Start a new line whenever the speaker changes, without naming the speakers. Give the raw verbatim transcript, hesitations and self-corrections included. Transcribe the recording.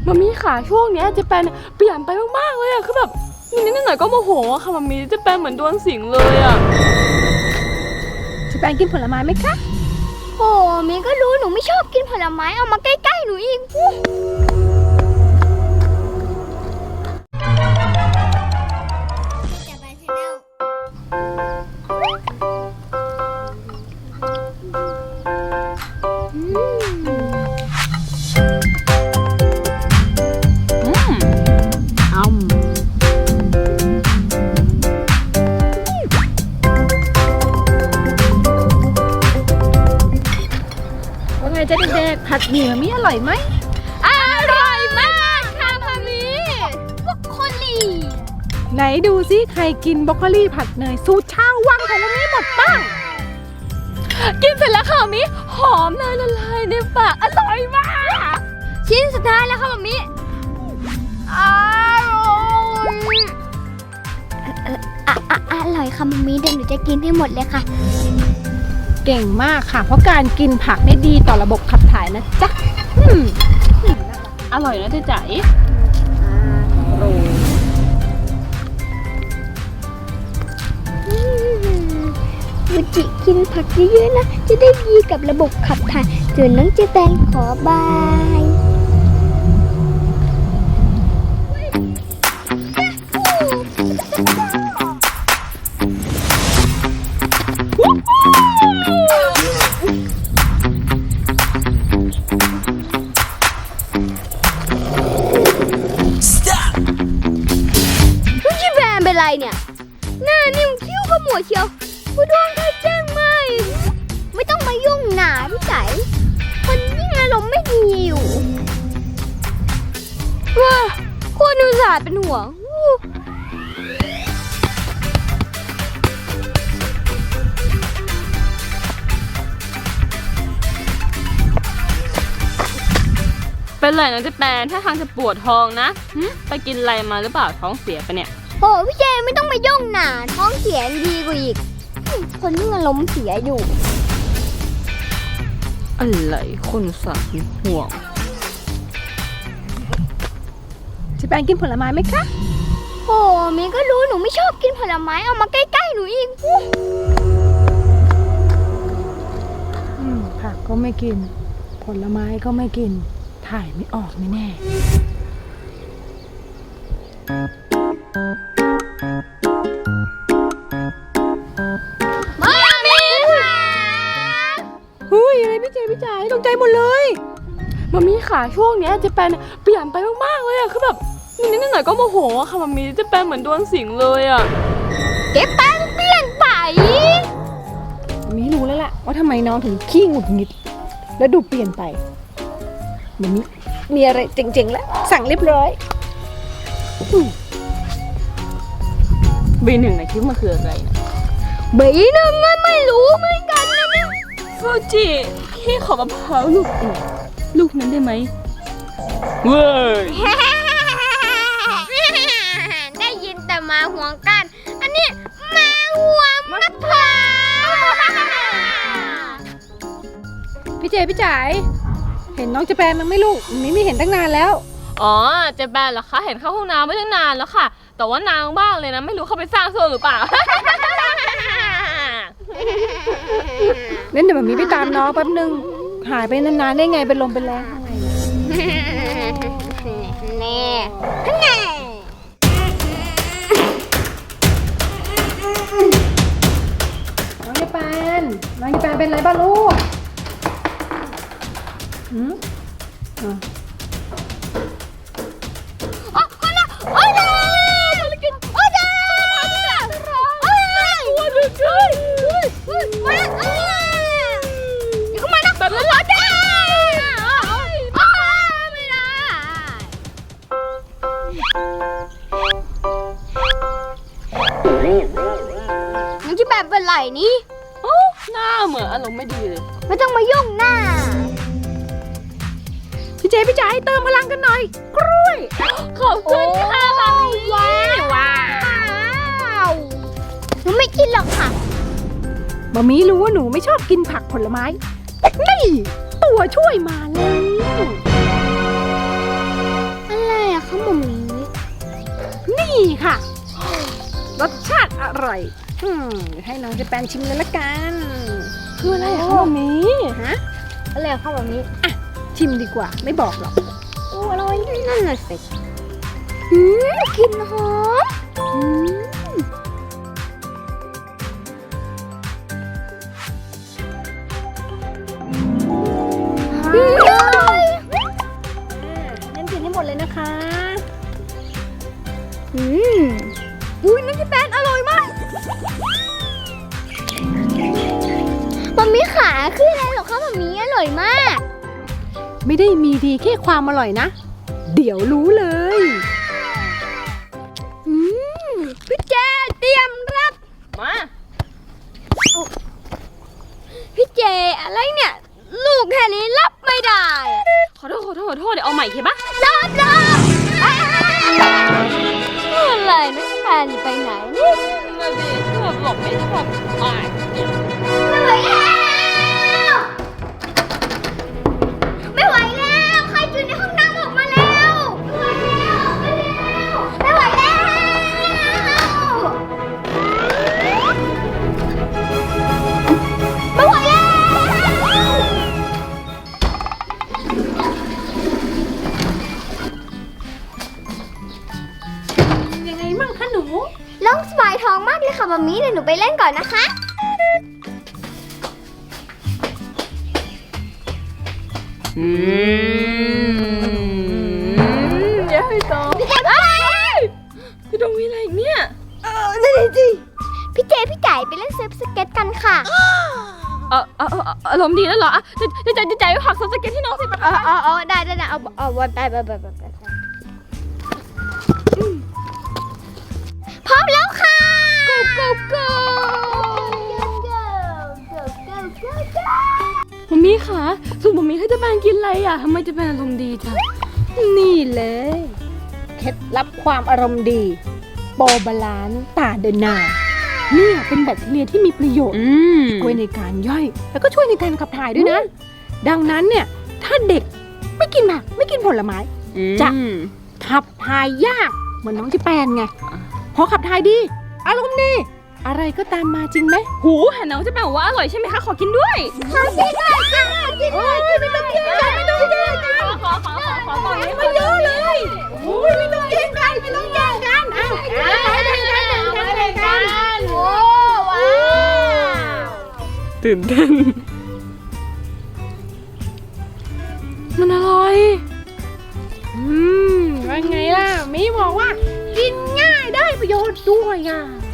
มัมมี่ค่ะช่วงนี้เจะแปนเปลี่ยนไปมากๆเลยอะคือแบบนิดๆหน่อยๆก็โมโหอะค่ะมัมมี่เจะแปนเหมือนโดนสิงเลยอะ
เจะแปนกินผลไม้ไหมคะ
โอ้มีก็รู้หนูไม่ชอบกินผลไม้เอามาใกล้ๆหนูอีก
เจ๊เด็กๆผัดหมี่มัมมี่อร่อยไหม
อร่อยมากค่ะมัมมี่บรอกโคลี
ไหนดูซิใครกินบรอกโคลีผัดเนยสูตรชาววังของมัมมี่หมดบ้าง
กินเสร็จแล้วค่ะมัมมี่หอมเนยละลายในปากอร่อยมาก
ชิ้นสุดท้ายแล้วค่ะมัมมี่อร่อยเอออะอะอร่อยค่ะมัมมี่เดี๋ยวหนูจะกินให้หมดเลยค่ะ
เก่งมากค่ะเพราะการกินผักได้ดีต่อระบบขับถ่ายนะจ๊ะ
อร่อยนะเจ๊จ๋า
ฟูจิกินผักเยอะๆนะจะได้ดีกับระบบขับถ่ายส่วนน้องเจแปนขอบายเป็นไรเนี่ยหน้านิ่มคิ้วขมวดเชียวผู้ดวงเขาแจ้งไม่ไม่ต้องมายุ่งหนาพี่ใจคนยิ่งอารมณ์ไม่ดีอยู่ว้าคนอุตส่าห์เป็นห่วง
เป็นไรนะเจ๊แปนถ้าทางจะปวดท้องนะไปกินอะไรมาหรือเปล่าท้องเสียไปเนี่ย
โอ้พี่เจไม่ต้องมายุ่งหนาท้องเสียดีกว่าอีกคนที่มันล้มเสียอยู่
อะไรคนสัตว์ห่วง
เจะแปนกินผลไม้ไหมคะ
โอ้มีก็รู้หนูไม่ชอบกินผลไม้เอามาใกล้ๆหนูอีก
ผักก็ไม่กินผลไม้ก็ไม่กินถ่ายไม่ออกแน่
มามีค่ะ
เฮ้ยอะไรพี่เจพี่จ๋าตกใจหมดเลย
มัมมี่ค่ะช่วงนี้เจะแปนเปลี่ยนไปมากๆเลยอะคือแบบนิดๆหน่อยๆก็โมโหอะค่ะมัมมี่เจะแปนเหมือนโดนสิงเลยอะ
เจ๊แปนเปลี่ยนไป
มีรู้แล้วล่ะว่าทำไมน้องถึงขี้หงุดหงิดแล้วดูเปลี่ยนไปมัมมี่มีอะไรเจ๋งๆแล้วสั่งเรียบร้อย
บีหนึ่งนะคิดว่ามันคืออะไรนะ
บีหนึ่งมันไม่รู้เหมือนกันนะเนี่ย
ฟูจิพี่ขอกระเพราลูกลูกนั้นได้ไหมเว้ย
ได้ยินแต่มาห่วงกันอันนี้มาห่วงมะพร้าว
พี่เจพี่จ๋าเห็นน้องเจแปนมั้งไม่ลูกมิไม่เห็นตั้งนานแล้ว
อ๋อเจแปนเหรอคะเห็นเข้าห้องน้ำไม่ตั้งนานแล้วค่ะแต่ว่านางบ้างเลยนะไม่รู้เขาไปสร้างโซ่หรือเปล่า
เล่นเดี๋ยวแบบนี้ไปตามน้องแป๊บนึงหายไปนานๆได้ไงเป็นลมเป็นแรงอะไร
แน่แน่
น้องเจแปนน้องเจแปนเป็นไรบ้างลูกหืมอ๋อ
มันจะแบบเป็นไรนี่
โอ้หน้าเหมือนอารมณ์ไม่ดีเลย
ไม่ต้องมายุ่งหน้า
พี่เจพี่จ๋าให้เติมพลังกันหน่อยกล้วย
ขอบคุณค่ะมัมมี่
ว้าวหนูไม่กินหรอกค่ะ
มัมมี่รู้ว่าหนูไม่ชอบกินผักผลไม้นี่ตัวช่วยมาแล้วร่อยอืมเดี๋ยวให้น้องเจแปนชิมเลยละกัน
คืออะไรอะคะมามี
ฮะ
อะไรครับแบบนี้
ชิมดีกว่าไม่บอกหรอก
โอ้อร่อยนั่นน่ะสิอืมกลิ่นหอม
อืม
อืมอร่อย
อ่างั้นกินให้หมดเลยนะคะ
อืมอุ้ยนั่นที่แป้นอร่อยมากมัมมี่ขาคืออะไรเหรอคะมัมมี่อร่อยมาก
ไม่ได้มีดีแค่ความอร่อยนะ เดี๋ยวรู้เลย
อืมพี่เจเตรียมรับ
มา
พี่เจอะไรเนี่ย ลูกแค่นี้รับไม่ได้อะ
ขอโทษขอโทษขอโทษเดี๋ยวเอาใหม่โอเคปะ
รับรับอะไรนะแฟนไปไหนนี่
นั่นสิคือแบบหลบไม่ทันอ่ะ
ไม่ไหวแล้วไม่ไหวแล้วใครอยู่ในห้องน้ำออกมาแล้วไม่ไหวแล้วไม่ไหวแล้วไม่ไหวแล้ว
ยังไงมั่งคะหนู
ล่องสบายท้องมากเลยค่ะมัมมี่เดี๋ยวหนูไปเล่นก่อนนะคะ
อืมเดี๋ยวให้ต่อ
พี่เจพี่ไก่
พี่ดงมีอะไรอีกเนี่ย
เออนั่นเลยสิพี่เจพี่ไก่ไปเล่นเซิร์ฟสเก็ตกันค่ะ
เออเออเอออารมณ์ดีแล้วเหรออ่ะจะจะจะจะใจผักสเก็ตที่น้องสิปะ
เออเออเออได้ได้ได้เอาเอาวันไปไปไปไปไปพร้อมแล้วค่ะ go go go go go go go
มัมมี่คะสุดมัมมี่ให้เจะแปนกินอะไรอ่ะทำไมเจะแปนอารมณ์ดีจัง
นี่เลยเคล็ดลับความอารมณ์ดี โปรบาลานซ์ตาเดนาเนี่ยเป็นแบคทีเรียที่มีประโยชน์
อืม
ช่วยในการย่อย แล้วก็ช่วยในการขับถ่ายด้วยนะ ดังนั้นเนี่ย ถ้าเด็กไม่กินผักไม่กินผลไม้ จะ ขับถ่ายยากเหมือนน้องจิแปนไง พอขับถ่ายดี อารมณ์ดีอะไรก็ตามมาจริงไหม
หูเห็นน้องเจะแปนบอกว่าอร่อยใช่ไหมคะขอกินด้วย
ขอกินหน่อยค่ะกินหน่อยกินไม่ต้องกินกันไม่ต้องกินกัน
ขอขอขอขอต่อ
มาเยอะเลยโอ้ยไม่ต้องแย่งกันไม่ต้องแย่งกันอ้าวแย่งกันแย่งกันแย่งกัน
โอ้ว้าว
ตื่นเต้นมันอร่อย
อืมว่าไงล่ะมีบอกว่า กินง่ายได้ประโยชน์ด้วยอ่ะ